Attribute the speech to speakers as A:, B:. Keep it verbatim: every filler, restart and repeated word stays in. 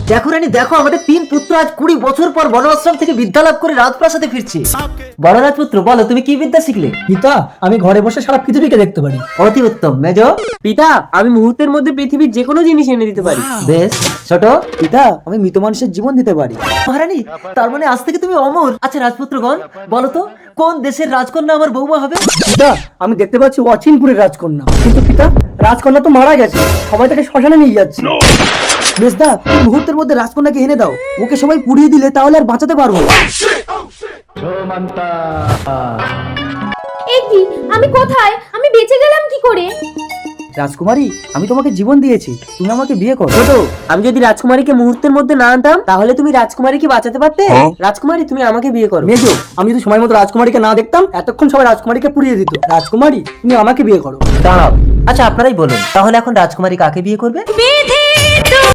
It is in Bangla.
A: দেখো রানী দেখো, আমাদের তিন পুত্র আজ কুড়ি বছর পর বনআশ্রম থেকে বিদ্যা লাভ করে রাজপ্রাসাদে ফিরছে। বড় রাজপুত্র বলো, তুমি কি বিদ্যা শিখলে?
B: পিতা, আমি ঘরে বসে সারা পৃথিবীকে দেখতে পারি।
A: অতি উত্তম। মেজ?
C: পিতা, আমি মুহূর্তের মধ্যে পৃথিবীর যে কোনো জিনিস এনে দিতে পারি।
A: বেশ। ছোট?
B: পিতা, আমি মৃত মানুষের জীবন দিতে পারি।
A: মহারানী, তার মানে আজ থেকে তুমি অমর। আচ্ছা রাজপুত্রগণ, বলো তো কোন দেশের রাজকন্যা আমার বৌমা হবে?
B: পিতা, আমি দেখতে পাচ্ছি অচিনপুরের রাজকন্যা। কিন্তু পিতা, রাজকন্যা তো মারা গেছে, সবাই তাকে শ্মশানে নিয়ে যাচ্ছে। মেজদা, তুমি মুহূর্তের মধ্যে রাজকন্যাকে এনে দাও, ওকে সবাই পুড়িয়ে দিলে তাহলে আর বাঁচাতে পারবো না।
D: এই কি, আমি কোথায়? আমি বেঁচে গেলাম কি করে?
B: রাজকুমারী, আমি তোমাকে জীবন দিয়েছি, তুমি আমাকে বিয়ে করো।
C: ছোট, আমি যদি রাজকুমারীকে মুহূর্তের মধ্যে না আনতাম তাহলে তুমি রাজকুমারীকে বাঁচাতে পারতে। রাজকুমারী, তুমি আমাকে বিয়ে করো।
B: মেজো, আমি যদি সময় মতো রাজকুমারীকে না দেখতাম, এতক্ষণ সবাই রাজকুমারীকে পুড়িয়ে দিত। রাজকুমারী, তুমি আমাকে বিয়ে করো।
A: দাঁড়াও, আচ্ছা আপনারাই বলুন, তাহলে এখন রাজকুমারী কাকে বিয়ে করবে?
D: বেঁধে